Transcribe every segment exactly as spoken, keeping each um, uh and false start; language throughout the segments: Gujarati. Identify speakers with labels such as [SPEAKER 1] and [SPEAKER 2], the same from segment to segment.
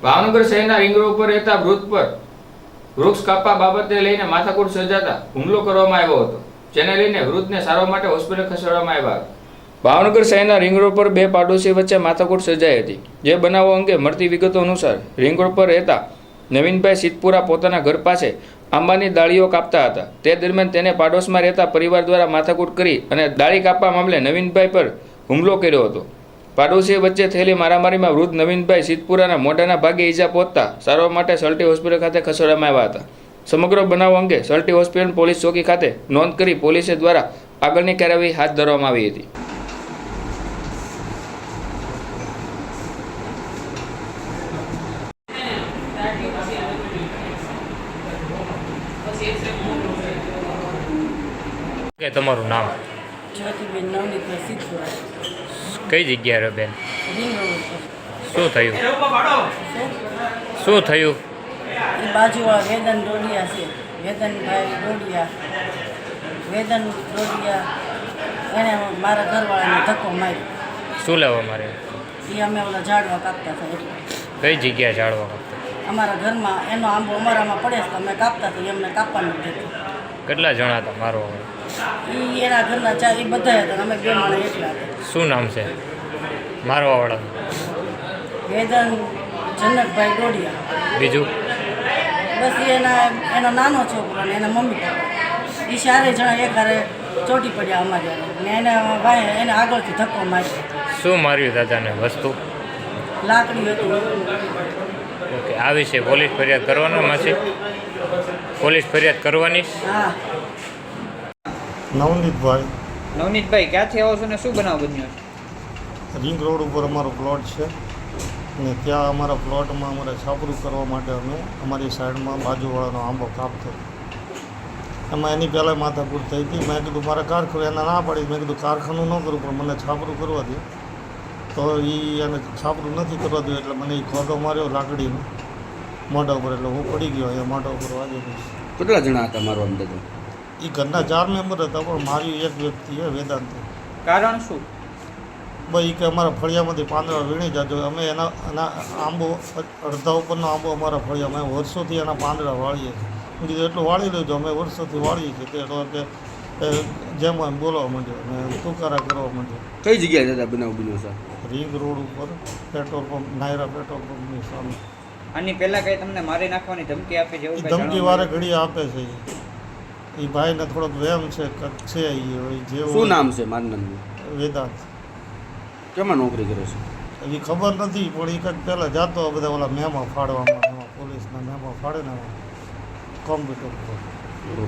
[SPEAKER 1] ભાવનગર શહેરના રિંગ રોડ પર રહેતા વૃદ્ધ પર વૃક્ષ કાપવા બાબતે લઈને માથાકૂટ સર્જાતા હુમલો કરવામાં આવ્યો હતો, જેને લઈને વૃદ્ધને સારવાર માટે હોસ્પિટલ ખસેડવામાં આવ્યા હતા। ભાવનગર શહેરના રિંગ રોડ પર બે પાડોશી વચ્ચે માથાકૂટ સર્જાઈ હતી। જે બનાવો અંગે મળતી વિગતો અનુસાર રિંગ રોડ પર રહેતા નવીનભાઈ સિદ્ધપુરા પોતાના ઘર પાસે આંબાની ડાળીઓ કાપતા હતા। તે દરમિયાન તેને પાડોશમાં રહેતા પરિવાર દ્વારા માથાકૂટ કરી અને ડાળી કાપવા મામલે નવીનભાઈ પર હુમલો કર્યો હતો। પાડોશીઓ વચ્ચે થયેલી મારામારીમાં વૃદ્ધ નવીનભાઈ સિદ્ધપુરાના મોઢાના ભાગે ઈજા પહોંચતા સારવાર માટે સલટી હોસ્પિટલ ખાતે ખસેડવામાં આવ્યા હતા। સમગ્ર બનાવ અંગે સલટી હોસ્પિટલ પોલીસ ચોકી ખાતે નોંધ કરી પોલીસે દ્વારા આગળની કાર્યવાહી હાથ ધરવામાં આવી હતી।
[SPEAKER 2] કે તમારું નામ?
[SPEAKER 3] જ્યોતિબેન નવનીતભાઈ સિદ્ધપુરા।
[SPEAKER 2] કઈ જગ્યાએ રહે બેન?
[SPEAKER 3] રિંગ રોડ પર।
[SPEAKER 2] શું થયું? શું થયું?
[SPEAKER 3] એ બાજુવાળા વેદન ડોડિયા છે, વેદનભાઈ ડોડિયા વેદન ડોડિયા એને મારા ઘરવાળાને ધક્કો માર્યો।
[SPEAKER 2] શું લેવા મારે?
[SPEAKER 3] એ અમે ઓલા ઝાડવા કાપતા હતા એટલે
[SPEAKER 2] કઈ જગ્યાએ ઝાડવા કાપતા?
[SPEAKER 3] અમારા ઘરમાં એનો આંબો અમારામાં પડે છે તો અમે કાપતા હતા, એમને કાપવાનું કીધું।
[SPEAKER 2] કેટલા જણા હતા મારો?
[SPEAKER 3] એ એના ઘરના ચાર એ બધા હતા, અમે બે માણસ એટલા હતા।
[SPEAKER 2] શું નામ છે મારવા વાળા?
[SPEAKER 3] વેદન જનકભાઈ ડોડિયા।
[SPEAKER 2] બીજું?
[SPEAKER 3] બસ એના એનો નાનો છોકરો ને એના મમ્મી પપ્પા એ ચારે જણા એક હારે ચોટી પડ્યા અમારે ને એને ભાઈ એને આગળથી ધક્કો માર્યો।
[SPEAKER 2] શું માર્યું દાદાને? વસ્તુ?
[SPEAKER 3] લાકડી હતી।
[SPEAKER 2] ઓકે, આ વિશે પોલીસ ફરિયાદ કરવાનો માસી? પોલીસ ફરિયાદ કરવાની?
[SPEAKER 3] હા।
[SPEAKER 4] નવનીતભાઈ
[SPEAKER 5] નવનીતભાઈ ક્યાંથી આવો છો ને શું બનાવ બન્યો છે?
[SPEAKER 4] રિંગ રોડ ઉપર અમારો પ્લોટ છે ને ત્યાં અમારા પ્લોટમાં અમારે છાપરું કરવા માટે અમે અમારી સાઈડમાં બાજુવાળાનો આંબો કાપતો, એમાં એની પહેલાં માથાકૂટ થઈ હતી। મેં કીધું મારે કારખાનું એને ના પાડી, મેં કીધું કારખાનું ન કરું પણ મને છાપરું કરવા દે, તો એ એને છાપરું નથી કરવા દે એટલે મને એ ખોટો માર્યો લાકડીનો મોઢા ઉપર, એટલે હું પડી ગયો અહીંયા મોઢા ઉપર વાગે પછી।
[SPEAKER 6] કેટલા જણા હતા મારો અંદાજો?
[SPEAKER 4] એ ઘરના ચાર મેમ્બર હતા પણ મારી એક વ્યક્તિ છે વેદાંત।
[SPEAKER 5] કારણ શું?
[SPEAKER 4] ભાઈ કે અમારા ફળિયામાંથી પાંદડા વીણી જાજો, અમે એના એના આંબો અડધા ઉપરનો આંબો અમારા ફળિયામાં અમે વર્ષોથી એના પાંદડા વાળીએ છીએ। મેં કીધું એટલું વાળી લેજો, અમે વર્ષોથી વાળીએ છીએ। તે તો કે જેમ એમ બોલવા માંડ્યો અને તુકારા કરવા માંડ્યો।
[SPEAKER 6] કઈ જગ્યાએ દાદા બનાવ બન્યો છે?
[SPEAKER 4] રિંગ રોડ ઉપર પેટ્રોલ પંપ, નાયરા પેટ્રોલ પંપની સામે।
[SPEAKER 5] આની પહેલા કઈ તમને મારી નાખવાની ધમકી આપી છે?
[SPEAKER 4] એ ધમકી વારે ઘડી આપે છે એ ભાઈને થોડોક વેમ છે છે એ જેવું।
[SPEAKER 6] શું નામ છે મારનારનું?
[SPEAKER 4] વેદાંત।
[SPEAKER 6] કેમાં નોકરી કરે છે?
[SPEAKER 4] એ ખબર નથી પણ એ કંઈક પહેલાં જાતો બધા ઓલા મેમો ફાડવામાં, એમાં પોલીસના મેમો ફાડે ને કોમ્પ્યુટર પર।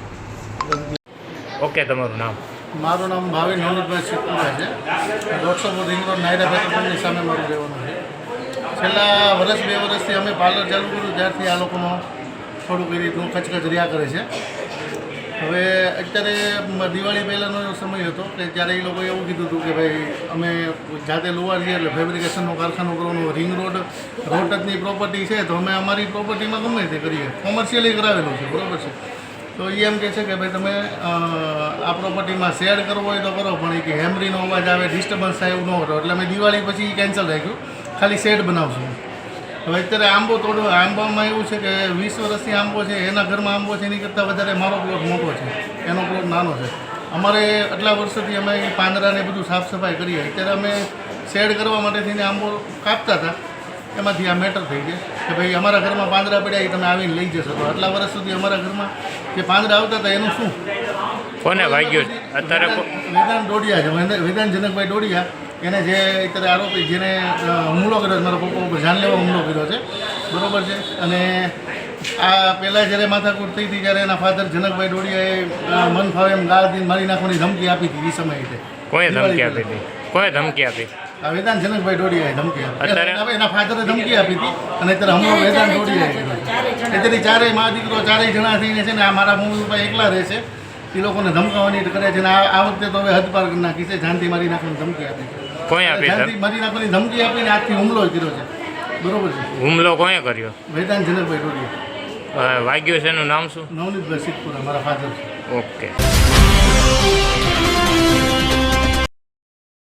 [SPEAKER 2] ઓકે, તમારું નામ?
[SPEAKER 7] મારું નામ ભાવિન નવનીતભાઈ સિદ્ધપુરા છે। દોઢસો ફૂટ રિંગ રોડ નાયરા પેટ્રોલની સામે મારું રહેવાનું છે। છેલ્લા વર્ષ બે વર્ષથી અમે પાર્લર ચાલુ કર્યું ત્યારથી આ લોકોનો થોડુંક એ રીતનું ખચખચ રહ્યા કરે છે। હવે અત્યારે દિવાળી પહેલાંનો એવો સમય હતો કે ત્યારે એ લોકોએ એવું કીધું હતું કે ભાઈ અમે જાતે લુવાર છીએ એટલે ફેબ્રિકેશનનું કારખાનું કરવાનું, રિંગ રોડ રોટની પ્રોપર્ટી છે તો અમે અમારી પ્રોપર્ટીમાં ગમે તે કરીએ, કોમર્શિયલી કરાવેલું છે, બરાબર છે। તો એ એમ કહે છે કે ભાઈ તમે આ પ્રોપર્ટીમાં શેડ કરવો હોય તો કરો, પણ એ કે હેમરીનો અવાજ આવે, ડિસ્ટર્બન્સ થાય એવું ન કરો, એટલે અમે દિવાળી પછી કેન્સલ રાખ્યું, ખાલી શેડ બનાવશું। હવે અત્યારે આંબો થોડો આંબામાં એવું છે કે વીસ વર્ષથી આંબો છે, એના ઘરમાં આંબો છે એની કરતાં વધારે મારો પ્લોટ મોટો છે, એનો પ્લોટ નાનો છે। અમારે આટલા વર્ષોથી અમે પાંદડાને બધું સાફ સફાઈ કરીએ, અત્યારે અમે શેડ કરવા માટે થઈને આંબો કાપતા હતા, એમાંથી આ મેટર થઈ ગઈ કે ભાઈ અમારા ઘરમાં પાંદડા પડ્યા એ તમે આવીને લઈ જશો। તો આટલા વર્ષ સુધી અમારા ઘરમાં જે પાંદડા આવતા હતા એનું શું?
[SPEAKER 2] કોને વાગ્યું અત્યારે?
[SPEAKER 7] વેદાંત ડોડિયા છે, વેદાંત જનકભાઈ ડોડિયા, એને જે અત્યારે આરોપી જેને હુમલો કર્યો છે, મારા પપ્પા ઉપર જાનલેવા હુમલો કર્યો છે, બરાબર છે। અને આ પહેલાં જ્યારે માથાકૂટ થઈ હતી ત્યારે એના ફાધર જનકભાઈ ડોડિયાએ મન ફાવે એમ ગાળ દીને મારી નાખવાની ધમકી આપી હતી એ સમયે।
[SPEAKER 2] કોઈ ધમકી આપી હતી? કોઈ ધમકી આપી?
[SPEAKER 7] આ વેદાંત જનકભાઈ ડોડિયાએ ધમકી આપી, એના ફાધરે ધમકી આપી હતી અને અત્યારે હુમલો વેદાંત ડોડિયાએ કર્યો। અત્યારે ચારેય મા દીકરો ચારેય જણા થઈને છે ને આ મારા મમ્મી પપ્પા એકલા રહે છે, એ લોકોને ધમકાવવાની કરે છે ને આ વખતે તો હવે હદ પાર કરી નાખી છે, જાનથી મારી નાખવાની ધમકી આપી છે।
[SPEAKER 2] કોઈ આપી?
[SPEAKER 7] જાનથી મારી નાખવાની ધમકી આપીને આજથી હુમલો કર્યો છે, બરોબર છે।
[SPEAKER 2] હુમલો કોણે કર્યો?
[SPEAKER 7] વેદાંત જનકભાઈ ડોડિયા।
[SPEAKER 2] વાગ્યું છે એનું નામ શું?
[SPEAKER 7] નવનીતભાઈ સિદ્ધપુરા મારા ફાધર છે।
[SPEAKER 2] ઓકે।